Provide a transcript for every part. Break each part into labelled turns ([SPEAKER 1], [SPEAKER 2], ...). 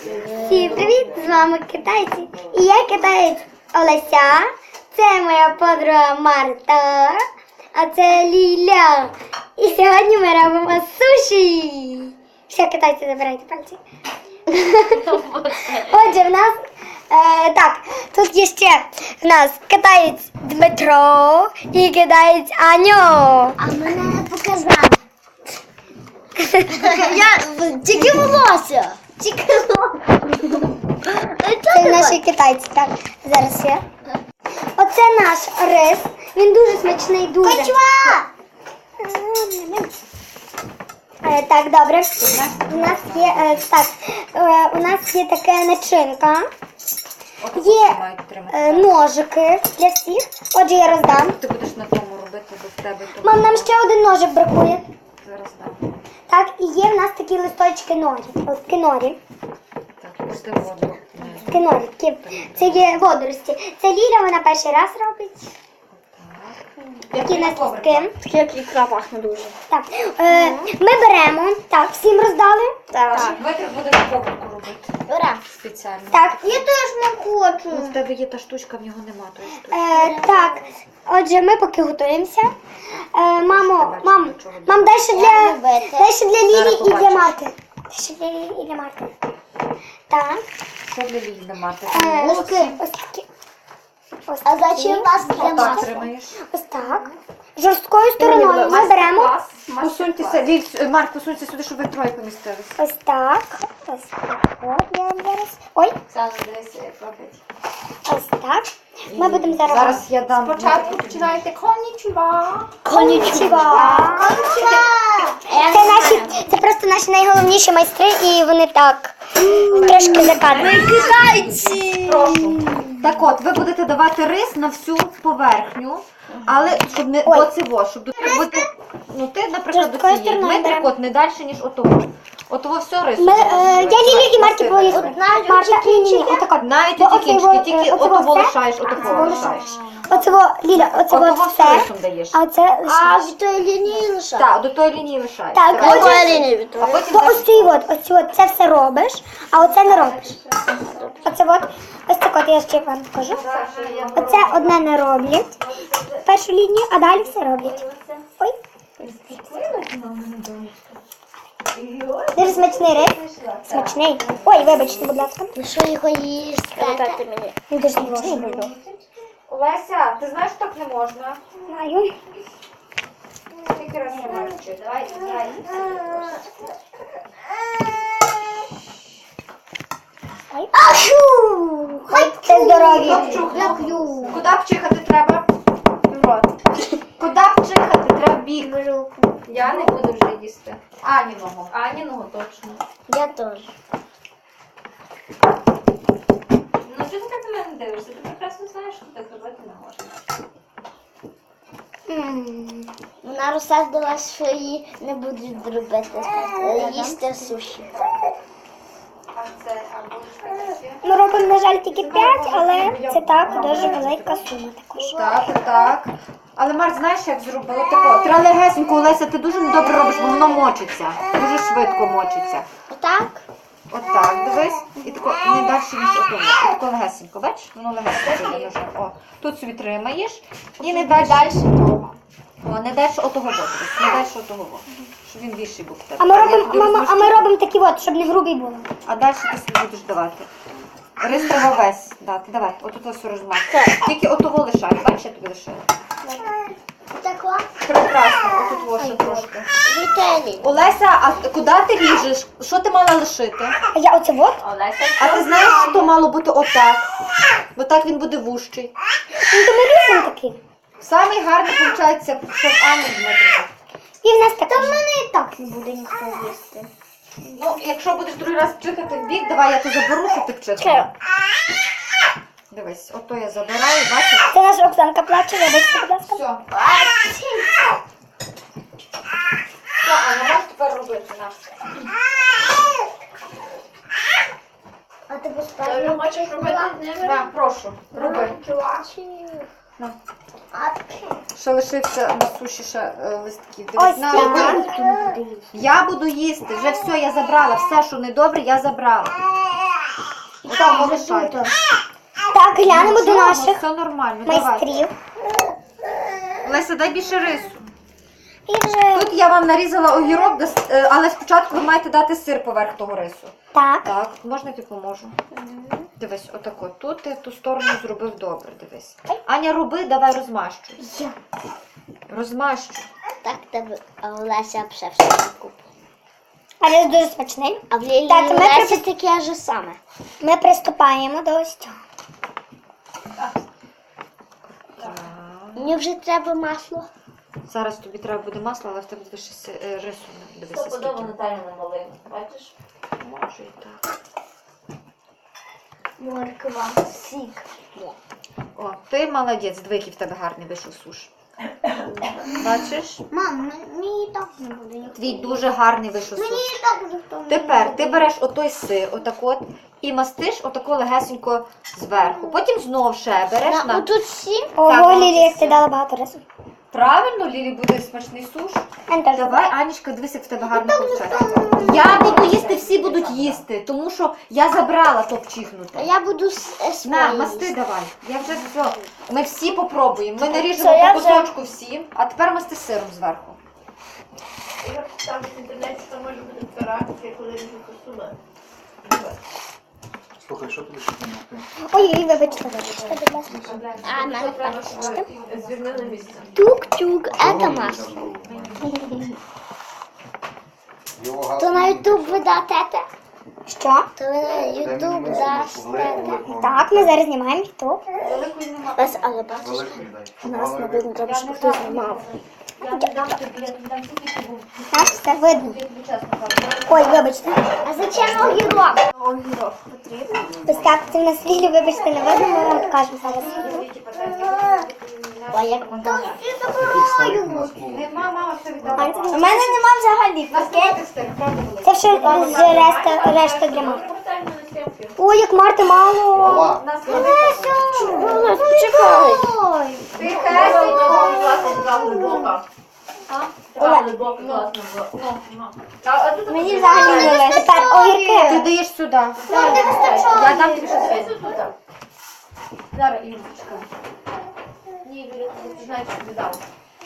[SPEAKER 1] Всім привіт! З вами китайці. І я китаєць Олеся. Це моя подруга Марта. А це Ліля. І сьогодні ми робимо суші. Все, китайці, забирайте пальці. Отже, в нас так, тут є ще в нас китаєць Дмитро і китаєць Аню.
[SPEAKER 2] А мене не показав. Я тільки волосся. Тільки волосся.
[SPEAKER 1] Це наші китайці. Так, зараз я. Оце наш рис. Він дуже смачний, дуже.
[SPEAKER 2] Качва!
[SPEAKER 1] Так, добре. У нас є у нас є така начинка. Є ножики для всіх. Отже, я роздам.
[SPEAKER 3] Ти будеш на тому робити, бо в тебе то.
[SPEAKER 1] Мам, нам ще один ножик бракує.
[SPEAKER 3] Зараз дам.
[SPEAKER 1] Так, і є в нас такі листочки норі. От кинорі.
[SPEAKER 3] Так, пусти воду.
[SPEAKER 1] Кинорі. Це є водорості. Це Ліля, вона перший раз робить. Такі листки.
[SPEAKER 2] Такі як ікра пахне дуже.
[SPEAKER 1] Так, ми беремо. Так, всім роздали?
[SPEAKER 3] Так. Дмитрик буде на коврику робити.
[SPEAKER 2] Ура.
[SPEAKER 3] Спеціально.
[SPEAKER 1] Так.
[SPEAKER 2] Я теж не хочу.
[SPEAKER 3] Ну, в тебе є та штучка, в нього нема тої штучки.
[SPEAKER 1] Так, отже, ми поки готуємося. Мам, дай ще для Лілі
[SPEAKER 3] Зараз
[SPEAKER 1] і для
[SPEAKER 3] побачиш.
[SPEAKER 1] Марти. Дай ще для Лілі і для Марти. Так.
[SPEAKER 3] Що для Лілі мати?
[SPEAKER 1] Ось такі. Ось
[SPEAKER 2] А
[SPEAKER 1] такі.
[SPEAKER 2] зачем вас
[SPEAKER 3] Так
[SPEAKER 2] для
[SPEAKER 3] тримаєш.
[SPEAKER 1] Ось так. Жорсткою стороною ми беремо.
[SPEAKER 3] Посуньтеся, Ліль, Марк, посуньте сюди, щоб ви троє помістилися.
[SPEAKER 1] Ось так. Ось так. От я вам зараз. Ой,
[SPEAKER 3] Зараз дивися, як робить.
[SPEAKER 1] ось так. Ми будемо зараз.
[SPEAKER 3] Зараз я дам.
[SPEAKER 4] Спочатку починайте коннічува.
[SPEAKER 1] Конічува. Це просто наші найголовніші майстри, і вони так трошки закадують.
[SPEAKER 2] китайці.
[SPEAKER 3] Прошу. Так от, ви будете давати рис на всю поверхню, але щоб не оцево, щоб бути. Ну ти, наприклад, до
[SPEAKER 1] Жорсткою
[SPEAKER 3] цієї.
[SPEAKER 1] стороною
[SPEAKER 3] Дмитрик,
[SPEAKER 1] беремо.
[SPEAKER 3] от не далі, ніж отого. Отого все рису.
[SPEAKER 1] Я Лілі і Марті поїду.
[SPEAKER 2] навіть
[SPEAKER 1] Марта, ні, отак от.
[SPEAKER 3] Навіть
[SPEAKER 1] Бо
[SPEAKER 3] оті
[SPEAKER 1] оцей
[SPEAKER 3] кінчики,
[SPEAKER 1] во-
[SPEAKER 3] тільки
[SPEAKER 1] оцей
[SPEAKER 3] отого
[SPEAKER 1] во все,
[SPEAKER 3] лишаєш, отого лишаєш.
[SPEAKER 1] Оцево, Ліля, оцево
[SPEAKER 3] Отого все
[SPEAKER 1] все,
[SPEAKER 3] рисом даєш.
[SPEAKER 1] а це
[SPEAKER 2] А
[SPEAKER 1] лише.
[SPEAKER 2] від тої лінії лише.
[SPEAKER 3] Так, до тої лінії лишаєш.
[SPEAKER 1] Так,
[SPEAKER 3] Давай.
[SPEAKER 1] отже,
[SPEAKER 2] лінії від
[SPEAKER 3] А потім
[SPEAKER 1] то ось цей от, це все робиш, а оце не робиш. Оце от, ось так от я ще вам покажу. Оце одне не роблять, першу лінію, а далі все роблять. Ой. Дуже смачний рис. Смачний. Ой, вибачте, будь ласка.
[SPEAKER 2] Ну що його їсти? Дайте мені.
[SPEAKER 1] Він дуже смачний був.
[SPEAKER 3] Леся, ти знаєш, так не можна?
[SPEAKER 1] Знаю.
[SPEAKER 3] Скільки разів не можеш вчити? Давай.
[SPEAKER 1] Ой. Аху! Це здорові.
[SPEAKER 3] Я п'ю. Куди б чихати треба? Куди б чихати треба бік? Я не буду вже їсти. Аніного. Аніного точно.
[SPEAKER 2] Я теж.
[SPEAKER 3] Ну чого ти так на мене дивишся? Ти прекрасно знаєш, що так робити не можна.
[SPEAKER 2] Вона розсадила, що її не будуть робити. Їсти суші.
[SPEAKER 3] А це, а будеш таке?
[SPEAKER 1] Ми робимо, на жаль, тільки 5, але це так, дуже велика сума також.
[SPEAKER 3] Так. Але Марк, знаєш, як зробила тако? Треба легесенько, Олеся, ти дуже добре робиш, бо воно мочиться. Дуже швидко мочиться.
[SPEAKER 2] Отак?
[SPEAKER 3] Отак, дивись. І тако не далі, ніж отому. Тако легесенько, бачиш? Воно легесенько йде ножем. О, тут собі тримаєш і не далі того. О, не далі отого боку. Не далі отого боку. Щоб він більший був в тебе.
[SPEAKER 1] А ми
[SPEAKER 3] Я
[SPEAKER 1] робимо,
[SPEAKER 3] тобі
[SPEAKER 1] мама, а
[SPEAKER 3] розміщу.
[SPEAKER 1] ми робимо такі от, щоб не грубі було.
[SPEAKER 3] А далі ти собі будеш давати. Рис треба весь дати. Давай, отут ось розмах. Тільки отого лишай. Бачиш, я тобі лишаю.
[SPEAKER 2] Отако?
[SPEAKER 3] Прекрасно, отут ось ще трошки.
[SPEAKER 2] Віталій.
[SPEAKER 3] Олеся, а куди ти ріжеш? Що ти мала лишити?
[SPEAKER 1] А я оце от?
[SPEAKER 3] А ти знаєш, що мало бути отак? Бо так він буде вужчий.
[SPEAKER 1] Ну, то ми різемо такі.
[SPEAKER 3] Самий гарний, виходить, щоб Аня Дмитрика.
[SPEAKER 1] І в нас так.
[SPEAKER 2] Та в мене і так не буде ніхто їсти.
[SPEAKER 3] Ну, якщо будеш другий раз пчихати в бік, давай я то заберу, щоб ти пчихала. Дивись, ото я забираю, бачиш?
[SPEAKER 1] Це наша Оксанка плаче, вибачте, будь ласка.
[SPEAKER 3] Все. Все, Аня, можеш тепер робити на.
[SPEAKER 2] А ти поставив?
[SPEAKER 4] Хочеш робити з ними?
[SPEAKER 3] На, прошу, роби. На. Ще лишився на суші ще листків. Дивись,
[SPEAKER 1] Ось
[SPEAKER 3] на,
[SPEAKER 1] так.
[SPEAKER 3] роби. Я буду їсти, вже все, я забрала. Все, що недобре, я забрала. Що, полишайте.
[SPEAKER 1] Так, глянемо до
[SPEAKER 3] Нічого,
[SPEAKER 1] наших
[SPEAKER 3] все нормально, давай.
[SPEAKER 1] майстрів.
[SPEAKER 3] Леся, дай більше рису.
[SPEAKER 1] І вже
[SPEAKER 3] Тут я вам нарізала огірок, але спочатку ви маєте дати сир поверх того рису.
[SPEAKER 1] так.
[SPEAKER 3] Так, можна я тобі поможу? Дивись, отако. Тут ти ту сторону зробив добре, дивись. Аня, роби, давай розмащуй. Розмащуй.
[SPEAKER 2] Так тебе, а у Леся все купила.
[SPEAKER 1] Але дуже смачний.
[SPEAKER 2] А в Лілії
[SPEAKER 1] Так, ми
[SPEAKER 2] Лесі таке ж саме.
[SPEAKER 1] Ми приступаємо до ось цього.
[SPEAKER 2] Мені вже треба масло.
[SPEAKER 3] Зараз тобі треба буде масло, але в тебе буде ще рису. Дивися, скільки.
[SPEAKER 4] Наталя намалила, бачиш?
[SPEAKER 3] Може і так.
[SPEAKER 2] Морква, сік.
[SPEAKER 3] О, ти молодець, диви, який в тебе гарний вийшов суш. Бачиш?
[SPEAKER 2] Мам, мені так не буде.
[SPEAKER 3] Твій дуже гарний вийшов суш.
[SPEAKER 2] так ніхто не
[SPEAKER 3] Тепер ти береш отой сир, отак от, і мастиш отако легесенько зверху. Потім знов ще береш на...
[SPEAKER 2] Отут всі.
[SPEAKER 1] Ого, Лілі, як ти дала багато рису.
[SPEAKER 3] Правильно, Лілі, буде смачний суш.
[SPEAKER 1] Антон,
[SPEAKER 3] Давай, Анічка, дивись, як в тебе гарно виходить. Я буду їсти, всі будуть їсти, тому що я забрала топчихнути.
[SPEAKER 2] А я буду
[SPEAKER 3] На,
[SPEAKER 2] свої.
[SPEAKER 3] масти давай. Я вже все. Ми всі попробуємо. Ми
[SPEAKER 2] Все,
[SPEAKER 3] наріжемо
[SPEAKER 2] я
[SPEAKER 3] по
[SPEAKER 2] вже-
[SPEAKER 3] кусочку всім, а тепер масти сиром зверху.
[SPEAKER 4] Там в інтернеті там може бути така реакція, коли ріжуть посули.
[SPEAKER 5] Слухай, що тобі ще знімати?
[SPEAKER 1] ой, вибачте, будь ласка.
[SPEAKER 2] А, мене
[SPEAKER 4] Звільнили місце.
[SPEAKER 2] тук-тук, це масло. То на Ютуб ви дате?
[SPEAKER 1] Що?
[SPEAKER 2] То ви на Ютуб дасте?
[SPEAKER 1] Так, ми зараз знімаємо ютуб.
[SPEAKER 2] Лесь, але бачиш, у нас не видно, треба, щоб хтось знімав.
[SPEAKER 1] Так, все видно. Ой, вибачте.
[SPEAKER 2] А зачем огірок?
[SPEAKER 1] Ось так, це в нас Лілі, вибачте, не видно, ми вам покажемо зараз.
[SPEAKER 2] Ой, як
[SPEAKER 3] Нема, мама, все віддала.
[SPEAKER 1] У мене нема взагалі. Це все з решта для Марти. Ой, як Марти мало.
[SPEAKER 2] Чекай.
[SPEAKER 1] Мені взагалі не лише. Тепер
[SPEAKER 3] Ти
[SPEAKER 1] огірки.
[SPEAKER 3] даєш сюди. Я дам тобі ще сир.
[SPEAKER 4] Зараз, Юлечка. Ні, Юля, ти знаєш, що віддав.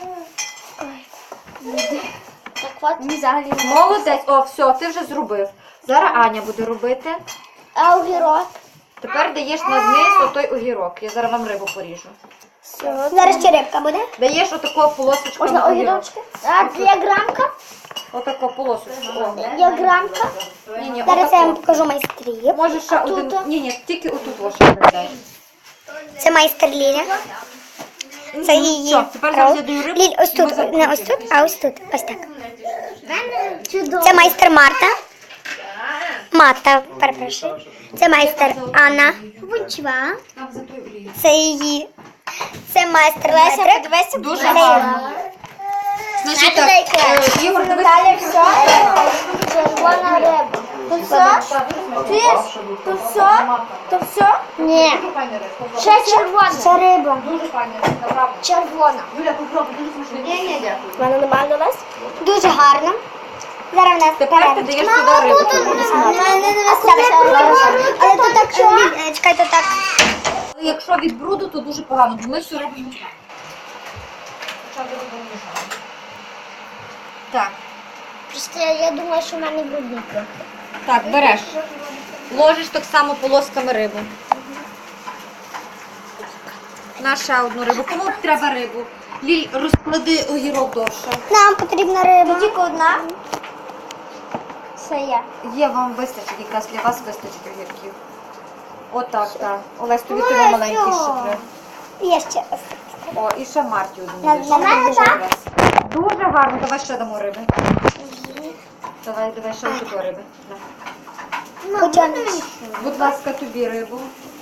[SPEAKER 2] Так от.
[SPEAKER 1] Мені взагалі не
[SPEAKER 3] Молодець. О, все, ти вже зробив. Зараз Аня буде робити.
[SPEAKER 2] А огірок?
[SPEAKER 3] Тепер даєш на низ отой огірок. Я зараз вам рибу поріжу.
[SPEAKER 1] Зараз ще рибка буде.
[SPEAKER 3] Даєш отаку полосочку
[SPEAKER 2] Можна
[SPEAKER 3] на огірок.
[SPEAKER 2] огірочки? А для грамка?
[SPEAKER 3] Отаку полосочку. О.
[SPEAKER 2] Для грамка?
[SPEAKER 3] Ні,
[SPEAKER 1] Зараз я вам покажу майстрів.
[SPEAKER 3] Може ще
[SPEAKER 2] тут?
[SPEAKER 3] один. Ні, тільки отут лише дай.
[SPEAKER 1] Це майстер Ліля. Це її.
[SPEAKER 3] Все, тепер зараз я даю рибу.
[SPEAKER 1] Ліль, ось
[SPEAKER 3] і ми
[SPEAKER 1] тут, не ось
[SPEAKER 3] закрутимо.
[SPEAKER 1] тут, а ось тут. Ось так.
[SPEAKER 2] Чудово.
[SPEAKER 1] Це майстер Марта. Мата, перепрошую. Це майстер Анна. Бунчва.
[SPEAKER 3] Там за той олій.
[SPEAKER 1] Це її. Це майстер Леся.
[SPEAKER 3] Дуже гарно. Значить так, Ігор, дивись.
[SPEAKER 2] Червона риба.
[SPEAKER 5] То все?
[SPEAKER 2] То все? Ні. Ще червона.
[SPEAKER 1] Це риба.
[SPEAKER 3] Дуже файно, направду.
[SPEAKER 2] Червона.
[SPEAKER 3] Юля, попробуй, дуже смачний. Ні, дякую.
[SPEAKER 1] В мене нормально Лесь? Дуже гарно. Зараз в нас
[SPEAKER 3] Тепер ти даєш сюди рибу.
[SPEAKER 1] Але тут так, чекайте, так.
[SPEAKER 3] Але якщо від бруду, то дуже погано, бо ми всю рибу мішаємо. Почати рибу мішаємо. Так,
[SPEAKER 2] Просто я думаю, що в мене брудний трохи.
[SPEAKER 3] так, береш. Ложиш так само полосками рибу. На ще одну рибу. Кому треба рибу? Ліль, розклади огірок довше.
[SPEAKER 1] Нам потрібна риба. Тільки одна. Це я.
[SPEAKER 3] Є, вам вистачить, якраз для вас вистачить огірків. Отак, так. Олесь, тобі того маленький ще треба.
[SPEAKER 1] Є ще.
[SPEAKER 3] О, і ще Марті один.
[SPEAKER 1] На
[SPEAKER 3] даєш.
[SPEAKER 1] мене
[SPEAKER 3] Дуже
[SPEAKER 1] так?
[SPEAKER 3] гарно. Дуже гарно. Давай ще дамо риби. Давай ще ось таку риби. На.
[SPEAKER 1] Хоча
[SPEAKER 3] Будь ласка, тобі рибу.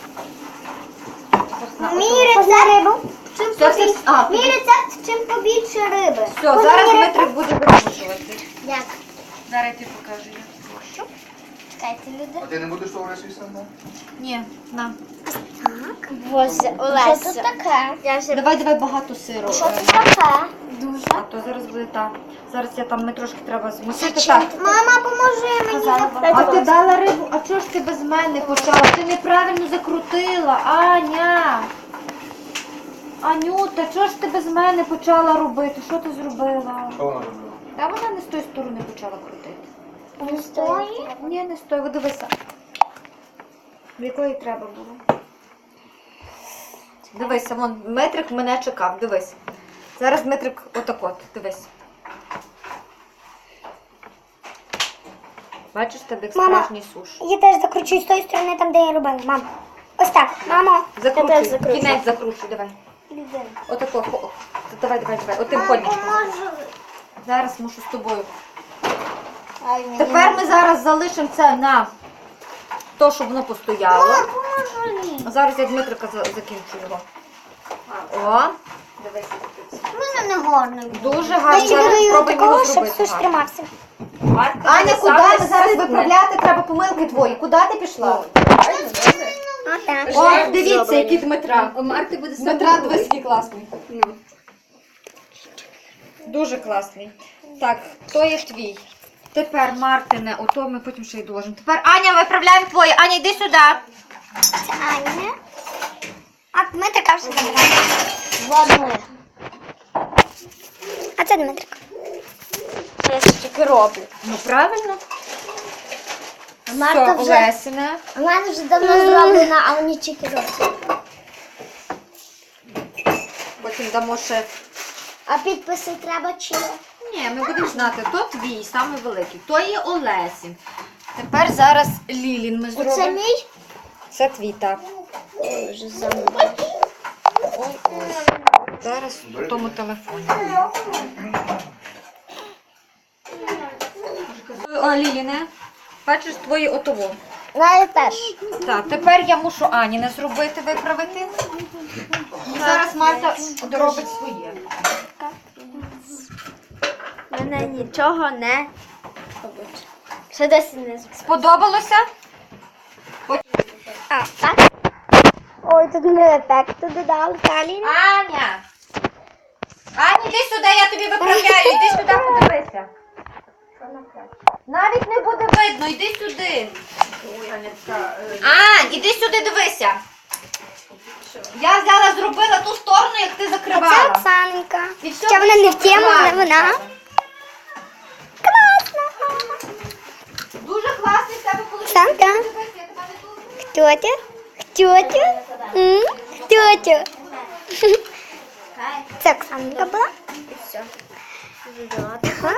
[SPEAKER 3] На,
[SPEAKER 1] мій рецепт рибу.
[SPEAKER 3] все.
[SPEAKER 1] Мій рецепт чим побільше риби.
[SPEAKER 3] Все, зараз Дмитрик буде вирішувати.
[SPEAKER 2] Як?
[SPEAKER 3] Зараз я тобі покажу. Що?
[SPEAKER 2] Чекайте, люди.
[SPEAKER 5] А ти не будеш того рису сам?
[SPEAKER 3] Ні, на.
[SPEAKER 2] Боже, Олеся. Що тут таке? Я вже...
[SPEAKER 3] Давай багато сиру.
[SPEAKER 2] Що тут таке? Дуже.
[SPEAKER 3] А то зараз буде так. Зараз ми трошки треба змусити. Так.
[SPEAKER 1] Мама, поможи мені.
[SPEAKER 3] А ти дала рибу, а чого ж ти без мене почала? Ти неправильно закрутила, Аня. Анюта, чого ж ти без мене почала робити? Що ти зробила?
[SPEAKER 5] Що вона робила?
[SPEAKER 3] Та вона не з тої сторони почала крутити.
[SPEAKER 2] Не стоїть.
[SPEAKER 3] Ні, не стой, ви дивися. В якої треба було? Дивися, вон Дмитрик мене чекав, дивись. Зараз Дмитрик отак, дивись. Бачиш, тебе як
[SPEAKER 1] Мама.
[SPEAKER 3] справжній суш.
[SPEAKER 1] Я теж закручую з тої сторони, там, де я робила. Мам. Ось так, мамо.
[SPEAKER 3] Закручуй, кінець закручуй, давай. Отако, давай, отим ходничком. Зараз мушу з тобою. Тепер ми зараз залишимо це на то, щоб воно постояло. Зараз я Дмитрика закінчу його. О, дивись.
[SPEAKER 2] У мене не гарно.
[SPEAKER 3] Дуже
[SPEAKER 1] Я
[SPEAKER 3] гарно.
[SPEAKER 1] ще
[SPEAKER 3] Зараз
[SPEAKER 1] додаю
[SPEAKER 3] спробуємо
[SPEAKER 1] такого,
[SPEAKER 3] його
[SPEAKER 1] щоб
[SPEAKER 3] зробити.
[SPEAKER 1] суш
[SPEAKER 3] гарно.
[SPEAKER 1] тримався.
[SPEAKER 3] Аня, куди ми зараз виправляти? Треба помилки твої. Куди ти пішла?
[SPEAKER 1] Отак.
[SPEAKER 3] О, дивіться, який Дмитра. Дмитра, дивись, який класний. Дуже класний. Так, то є твій. Тепер, Мартине, ото ми потім ще й доложимо. Тепер, Аня, виправляємо твоє. Аня, йди сюди.
[SPEAKER 1] Це Аня. А Дмитрика вже забрала.
[SPEAKER 2] Ладно.
[SPEAKER 1] А це Дмитрик.
[SPEAKER 2] Що я тільки роблю?
[SPEAKER 3] Ну, правильно.
[SPEAKER 2] Марта
[SPEAKER 3] Все,
[SPEAKER 2] вже...
[SPEAKER 3] Олесіне.
[SPEAKER 2] У мене вже давно зроблена, а вони тільки роблять.
[SPEAKER 3] Потім дамо ще.
[SPEAKER 2] А підписи треба чи?
[SPEAKER 3] Ні, ми будемо знати, то твій, самий великий, то є Олесін. Тепер зараз Лілін ми зробимо.
[SPEAKER 2] Оце мій?
[SPEAKER 3] Це твій, так.
[SPEAKER 2] Ой, вже забула.
[SPEAKER 3] Ой, ось. Зараз в тому телефоні. О, Ліліне, бачиш твої отово.
[SPEAKER 2] Навіть теж.
[SPEAKER 3] Так, тепер я мушу Аніне зробити, виправити. І зараз Марта доробить своє.
[SPEAKER 2] Мене нічого не робить. Ще досі не зробила.
[SPEAKER 3] Сподобалося?
[SPEAKER 1] А, так? Ой, тут ми ефекту додали. Далі.
[SPEAKER 3] Аня! Аня, іди сюди, я тобі виправляю. Іди сюди, подивися. Навіть не буде видно, йди сюди. Ань, іди сюди, дивися. Я взяла, зробила ту сторону, як ти
[SPEAKER 1] Це
[SPEAKER 3] закривала.
[SPEAKER 1] Оксаненька.
[SPEAKER 3] І все
[SPEAKER 1] Ще вона не в тему, але
[SPEAKER 3] класно.
[SPEAKER 1] вона.
[SPEAKER 3] Дуже класний в тебе коли
[SPEAKER 1] Оксанка. Хто ти? Хто ти? Хто ти? Це Оксаненька була? Ага.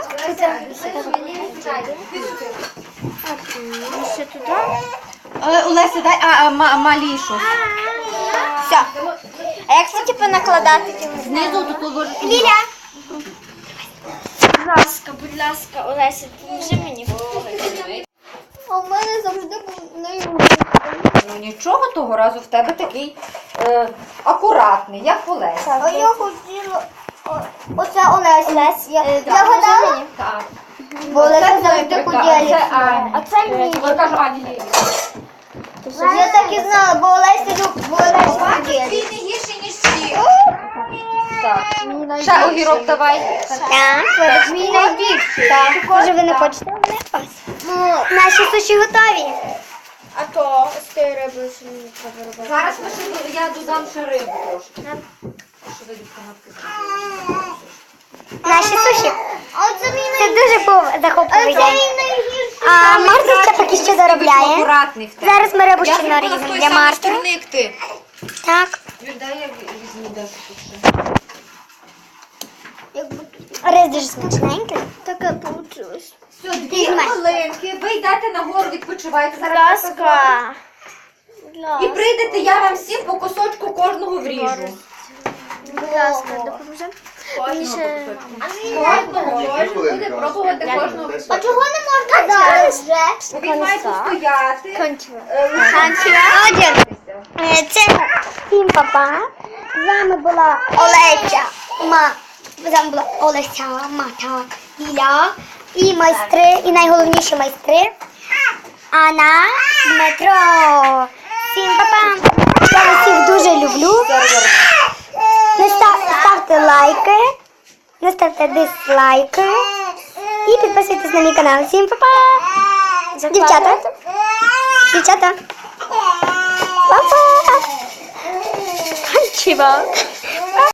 [SPEAKER 2] Ще туди?
[SPEAKER 3] Олеся, дай малішу.
[SPEAKER 1] Все. А як це типу накладати?
[SPEAKER 3] Знизу тут положиш.
[SPEAKER 1] Ліля.
[SPEAKER 2] Будь ласка, Олеся, поможи мені.
[SPEAKER 1] А в мене завжди був нею.
[SPEAKER 3] Ну нічого, того разу в тебе такий акуратний, як Олеся.
[SPEAKER 1] А я хотіла. Оце Олеся. Я гадала,
[SPEAKER 3] Так.
[SPEAKER 1] бо Олеся завжди
[SPEAKER 3] Дмитрика,
[SPEAKER 1] поділиться.
[SPEAKER 3] це Аня.
[SPEAKER 2] А це мій.
[SPEAKER 3] Я кажу Ані Лілі.
[SPEAKER 1] Я так і знала, бо Олеся поділиться.
[SPEAKER 3] Він не гірший, ніж всі. Так. Ще огірок давай.
[SPEAKER 1] Так, мій найбільший. Так. Може ви не хочете? Не ось. Наші суші готові.
[SPEAKER 2] А то з тією рибою, що мені треба робити.
[SPEAKER 3] Зараз я додам ще рибу трошки. Що ви дівчатки зробили?
[SPEAKER 1] Наші суші. Це дуже був захопливий день. А Марта ще поки що доробляє.
[SPEAKER 3] Акуратний в тебе.
[SPEAKER 1] Зараз ми рибу
[SPEAKER 3] Я
[SPEAKER 1] ще
[SPEAKER 3] зробила з
[SPEAKER 1] наріжемо
[SPEAKER 3] тої
[SPEAKER 1] для
[SPEAKER 3] самої
[SPEAKER 1] Марти.
[SPEAKER 3] сторони, як ти.
[SPEAKER 1] Так.
[SPEAKER 3] Дай я візьму дещо тут ще.
[SPEAKER 1] Рис дуже смачненький.
[SPEAKER 2] Таке вийшло.
[SPEAKER 3] Все, 2 хвилинки. Ви йдете нагору, відпочивайте.
[SPEAKER 2] Будь
[SPEAKER 3] Зараз я
[SPEAKER 2] ласка.
[SPEAKER 3] І прийдете, я вам всім по кусочку кожного вріжу.
[SPEAKER 2] Будь ласка, допоможемо. Мені ще...
[SPEAKER 3] Кожного. Кожен буде пробувати кожного.
[SPEAKER 2] А чого не можна зараз вже?
[SPEAKER 3] Бо він має постояти.
[SPEAKER 2] Кончила.
[SPEAKER 1] Один. Це всім папа. З вами була Олеся. З вами була Олеся, Мата, Ліля і майстри, і найголовніші майстри. Анна, Дмитро. Всім па-па. Я вас всіх дуже люблю. Ставте лайки, не ставте дизлайки і підписуйтесь на мій канал. Всім па-па! Дівчата! Па-па! Чіва!